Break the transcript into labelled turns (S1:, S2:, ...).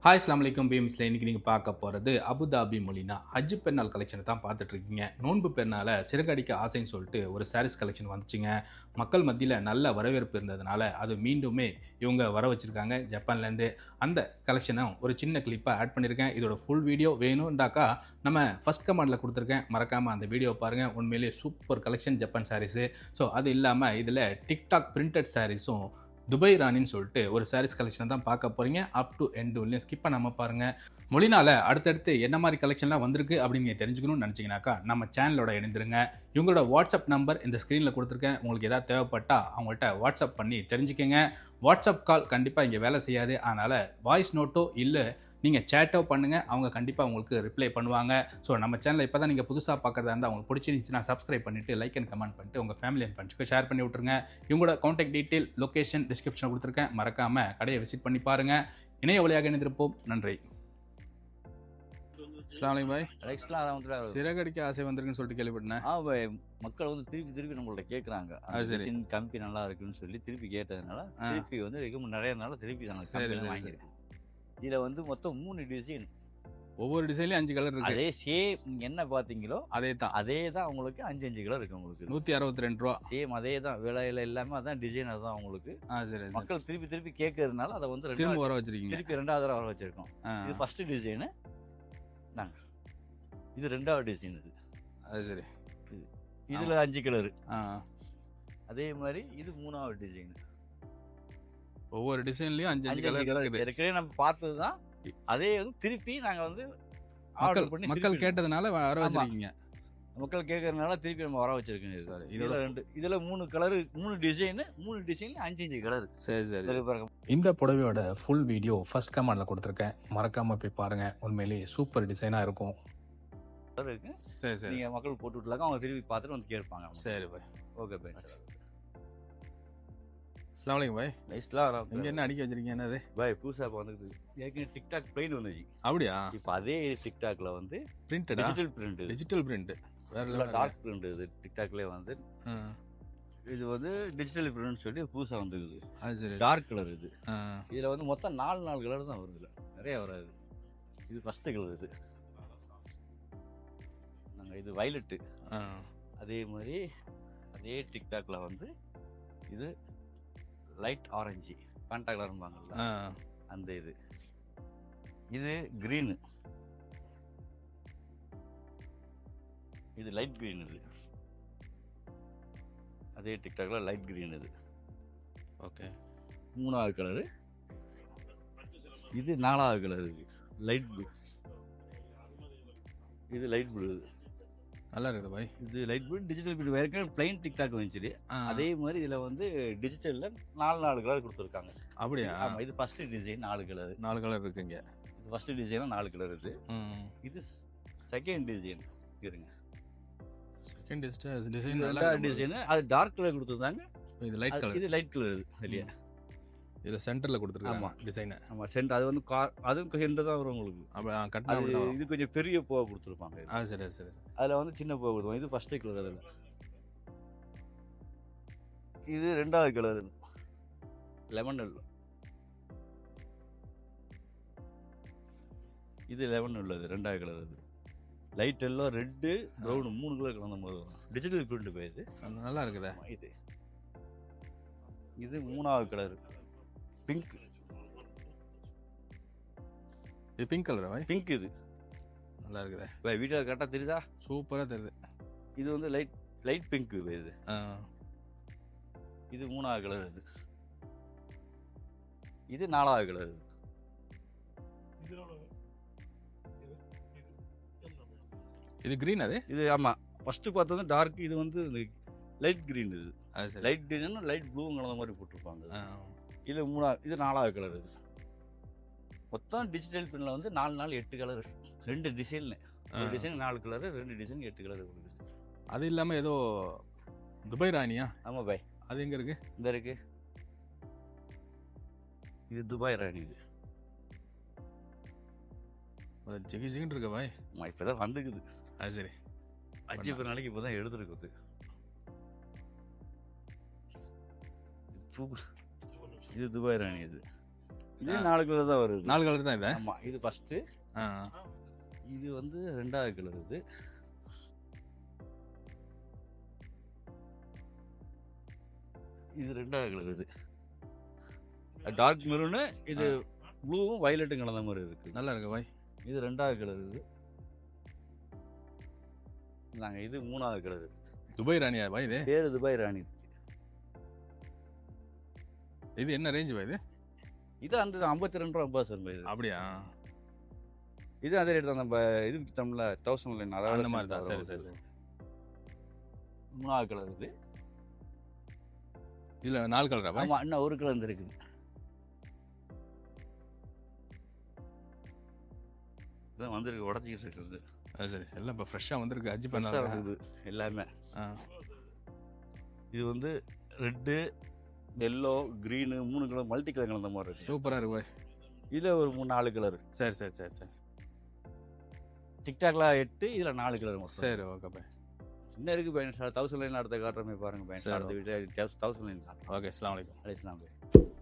S1: Hi அஸ்ஸலாமு அலைக்கும் பீம்ஸில் இன்றைக்கி நீங்கள் பார்க்க போகிறது அபுதாபி மொலினா ஹஜ் பெருநாள் கலெக்ஷனை தான் பார்த்துட்ருக்கீங்க. நோன்பு பெருநாளை சிறகடிக்க ஆசைன்னு சொல்லிட்டு ஒரு சாரீஸ் கலெக்ஷன் வந்துச்சுங்க. மக்கள் மத்தியில் நல்ல வரவேற்பு இருந்ததுனால அது மீண்டுமே இவங்க வர வச்சுருக்காங்க ஜப்பான்லேருந்து. அந்த கலெக்ஷனும் ஒரு சின்ன கிளிப்பாக ஆட் பண்ணியிருக்கேன். இதோட ஃபுல் வீடியோ வேணும்டாக்கா நம்ம ஃபஸ்ட் கமெண்டில் கொடுத்துருக்கேன், மறக்காமல் அந்த வீடியோ பாருங்கள். உண்மையிலேயே super collection Japan sarees. So அது இல்லாமல் இதில் டிக்டாக் பிரிண்டட் சாரீஸும் துபாய் ராணின்னு சொல்லிட்டு ஒரு சாரீஸ் கலெக்ஷனை தான் பார்க்க போகிறீங்க. அப் டு எண்ட் வரலையும் ஸ்கிப் பண்ணாமல் பாருங்கள். மொழினால அடுத்தடுத்து என்ன மாதிரி கலெக்ஷன்லாம் வந்திருக்கு அப்படின்னு நீங்கள் தெரிஞ்சுக்கணும்னு நினச்சிங்கனாக்கா நம்ம சேனலோட இணைந்துருங்க. இவங்களோட வாட்ஸ்அப் நம்பர் இந்த ஸ்க்ரீனில் கொடுத்துருக்கேன். உங்களுக்கு எதாவது தேவைப்பட்டால் அவங்கள்ட்ட வாட்ஸ்அப் பண்ணி தெரிஞ்சுக்கங்க. வாட்ஸ்அப் கால் கண்டிப்பாக இங்கே வேலை செய்யாது. அதனால் வாய்ஸ் நோட்டோ இல்லை நீங்கள் சேட்டோ பண்ணுங்கள், அவங்க கண்டிப்பாக உங்களுக்கு ரிப்ளை பண்ணுவாங்க. ஸோ நம்ம சேனலில் இப்போ தான் நீங்கள் புதுசாக பார்க்குறதா இருந்தால் அவங்களுக்கு பிடிச்சிருந்துச்சுன்னா சப்ஸ்கிரைப் பண்ணிவிட்டு லைக் அண்ட் கமெண்ட் பண்ணிட்டு உங்கள் ஃபேமிலி அண்ட் ஃப்ரெண்ட்ஸ்க்கு ஷேர் பண்ணி விட்ருங்க. இவங்களோட கான்டாக்ட் டீட்டெயில் லொக்கேஷன் டிஸ்கிரிப்ஷனில் கொடுத்துருக்கேன். மறக்காமல் கடையை விசிட் பண்ணி பாருங்கள். இணைய வழியாக இணைந்திருப்போம். நன்றி. அஸ்ஸலாமு அலைக்கும் பாய். சிறகடிக்க ஆசை வந்திருக்குன்னு சொல்லிட்டு கேள்விப்பட்டேன்.
S2: பாய் மக்கள் வந்து திருப்பி நம்மள்ட்ட கேட்குறாங்க. கம்பி நல்லா இருக்குன்னு சொல்லி திருப்பி கேட்டதுனால திருப்பி வந்து நிறைய நாள் திருப்பி வாங்கியிருக்கேன். இதில் வந்து மொத்தம் 3 டிசைன்.
S1: ஒவ்வொரு டிசைன்லையும் 5 கலர் இருக்கு.
S2: அதே சேம் என்ன பார்த்தீங்களோ அதே தான் உங்களுக்கு 5 கலர் இருக்கு. உங்களுக்கு
S1: 162 ரூபா
S2: சேம் அதே தான். விலையில எல்லாமே அதான் டிசைன் அதுதான் உங்களுக்கு.
S1: சரி.
S2: மக்கள் திருப்பி கேட்கறதுனால அதை வந்து
S1: திரும்ப வர வச்சிருக்கீங்க.
S2: திருப்பி 2வது தடவை வர வச்சிருக்கோம். இது ஃபர்ஸ்ட் டிசைனு. நாங்கள் இது 2வது டிசைன். இது
S1: சரி.
S2: இதில் 5 கலரு. அதே மாதிரி இது 3வது டிசைன்.
S1: ஒவ்வொரு டிசைன்லயும் 5 கலர்
S2: ஏற்கனவே நம்ம பார்த்தது தான். அதே வந்து திருப்பி நாங்கள் வந்து
S1: மக்கள் கேட்டதுனால வர வச்சிருக்கீங்க.
S2: மக்கள் கேட்கறதுனால திருப்பி நம்ம வர வச்சிருக்கோம். இதில் 3 கலரு, 3 டிசைனு, 3 டிசைன்ல 5 கலர்.
S1: சரி. இந்த புடவையோட ஃபுல் வீடியோ ஃபர்ஸ்ட் கமெண்ட்ல கொடுத்துருக்கேன், மறக்காம போய் பாருங்க. உண்மையிலேயே சூப்பர் டிசைனா இருக்கும்.
S2: இருக்கு.
S1: சரி.
S2: நீங்க மக்கள் போட்டு விட்டுலாங்க, அவங்க திருப்பி பார்த்துட்டு வந்து கேட்பாங்க.
S1: சரி பாய்.
S2: Okay bye.
S1: அஸ்ஸலாமு அலைக்கும் பாய். இங்க என்ன அடிக்க வச்சிருக்கீங்க? என்னது
S2: பாய்? புதுசா இப்போ வந்து ஏற்கனவே டிக்டாக் பிளைன் வந்துச்சு.
S1: அப்படியா?
S2: இப்போ அதே டிக்டாக்ல வந்து
S1: பிரிண்டட், டிஜிட்டல் பிரிண்ட், வேற
S2: டார்க் பிரிண்ட். இது டிக்டாக்லயே வந்து இது வந்து டிஜிட்டல் பிரிண்ட் சொல்லி புதுசா வந்துருக்குது. Dark colour. இது இதுல வந்து மொத்தம் 4 கலர் தான் வருது, நிறைய வராது. இது ஃபர்ஸ்ட் கலர். இது நாங்கள் இது வயலட்டு. அதே மாதிரி அதே டிக்டாக்ல வந்து இது லைட் ஆரஞ்சு, பேண்டா கலர்பாங்கல்ல அந்த இது. இது கிரீனு. இது லைட் கிரீன். இது அதே டிக்டாக்ல லைட் கிரீன். இது
S1: ஓகே.
S2: 3வது கலரு. இது 4வது கலர். இது லைட் ப்ளூ. இது லைட் ப்ளூ.
S1: நல்லா இருக்குது பாய்.
S2: இது லைட் ப்ளூ டிஜிட்டல் பிரிண்ட். வேற பிளைன் டிக்டாக் வந்துச்சு. அதே மாதிரி இதுல வந்து டிஜிட்டல்ல 4 கலர் கொடுத்துருக்காங்க.
S1: அப்படியா?
S2: ஆமா. இது ஃபர்ஸ்ட் டிசைன் 4
S1: கலர் இருக்குங்க.
S2: இது ஃபர்ஸ்ட் டிசைன் 4 கலர் இருக்கு. இது செகண்ட் டிசைன். இருங்க,
S1: செகண்ட் டிசைன்
S2: நல்லா டிசைன். அது டார்க் கலர் கொடுத்துருந்தாங்க.
S1: இது லைட் கலர்.
S2: இது லைட் கலர். இது வெளியே
S1: இதுல சென்டர்ல கொடுத்துருக்காங்க. ஆமா டிசைன்.
S2: ஆமா சென்டர். அது வந்து அதுவும் சென்டர் தான் வரும் உங்களுக்கு.
S1: கட்டா
S2: இது கொஞ்சம் பெரிய பூவா கொடுத்துருப்பாங்க.
S1: சரி.
S2: அதுல வந்து சின்ன பூவா கொடுத்துருவாங்க. இது ஃபர்ஸ்ட் கலர். அதுல இது 2வது கலர். Lemon yellow. இது லெமன் உள்ளது 2வது கலர். இது light yellow, red, brown 3 colour கலந்த மாதிரி வரும். டிஜிட்டல் பிரிண்ட் போயிடுது.
S1: நல்லா இருக்குதா?
S2: இது 3வது கலர் பிங்க்.
S1: இது பிங்க் கலர் பாய்.
S2: பிங்க். இது
S1: நல்லா இருக்குதா
S2: பாய்? வீடியோ கரெக்டா தெரியுதா?
S1: சூப்பரா தெரியுது.
S2: இது வந்து லைட் பிங்க். இது 3வது கலர். இது 4வது கலர்.
S1: இது கிரீன். இது
S2: ஆமா ஃபர்ஸ்ட் பார்த்தது டார்க். இது வந்து லைட் கிரீன். இது லைட் கிரீன் லைட் ப்ளூ கலந்த மாதிரி போட்டிருப்பாங்க. இது 4வது கலர். இது மொத்தம் டிஜிட்டல் பிரிண்ட்ல வந்து 4 8 கலர். 2 டிசைன். ஒரு டிசைன் 4 கலர், 2 டிசைன் 8 கலர்.
S1: அது இல்லாம ஏதோ துபாய் ராணியா?
S2: ஆமா பாய்.
S1: அது எங்க இருக்கு?
S2: இந்த இருக்கு. இது துபாய் ராணி. இது
S1: ஜிகின்னு இருக்கு பாய்.
S2: இப்பதான் வந்துக்குது.
S1: சரி.
S2: 5 நாளைக்கு இப்பதான் எடுத்துருக்குது. இது துபாய் ராணி. இது இது 4 கலர் தான் வருது.
S1: 4 கலர் தான் இது.
S2: ஆமா, இது ஃபர்ஸ்ட். இது வந்து 2வது கலர். இது 2வது கலர். இது டார்க் மெரூனு, இது ப்ளூவும் வயலட்டும் கலந்த மாதிரி இருக்கு.
S1: நல்லா இருக்கு பாய்.
S2: இது 2வது கலர். இது 3வது கலர்.
S1: துபாய் ராணியா பாய் இது?
S2: பேரு துபாய் ராணி.
S1: இது என்ன ரேஞ்ச் பாய் இது?
S2: இது அந்த 52 ரூபா 50 சார் இது.
S1: அப்படியா?
S2: இது அதே ரேட் தான். நம்ம இது வித்தோம்ல 1000 லைன், அதாவது
S1: அந்த மாதிரி தான். சரி சரி சரி.
S2: 3வது கலர். இது
S1: இதுல 4 கலரா பாய்?
S2: ஆமா, இன்னும் ஒரு கலர் இருக்குது. இதான் வந்திருக்கு, உடச்சிக்கிட்டு இருக்குது.
S1: சரி, எல்லாம் இப்போ ஃப்ரெஷ்ஷாக வந்திருக்கு. ஹஜ் பெண்ணால்
S2: இருக்குது எல்லாமே. இது வந்து red, yellow, green 3 colour multi colour கலந்த மாதிரி இருக்கு.
S1: சூப்பராக இருக்கு பாய்.
S2: இதில் ஒரு 4 கலர்.
S1: சரி சரி சரி சரி.
S2: டிக்டாக்ல 8, இதில் 4 கலர் மொத்தம்.
S1: சரி, ஓகே பாய்.
S2: இன்னும் இருக்குது பையன். 1000 லைன் அடுத்த காட்டுறமே பாருங்க பையன். அடுத்த வீட்டில் 1000 லைன்.
S1: ஓகே, அஸ்ஸலாமு அலைக்கும்.
S2: அலைஸ்லாம் பாய்.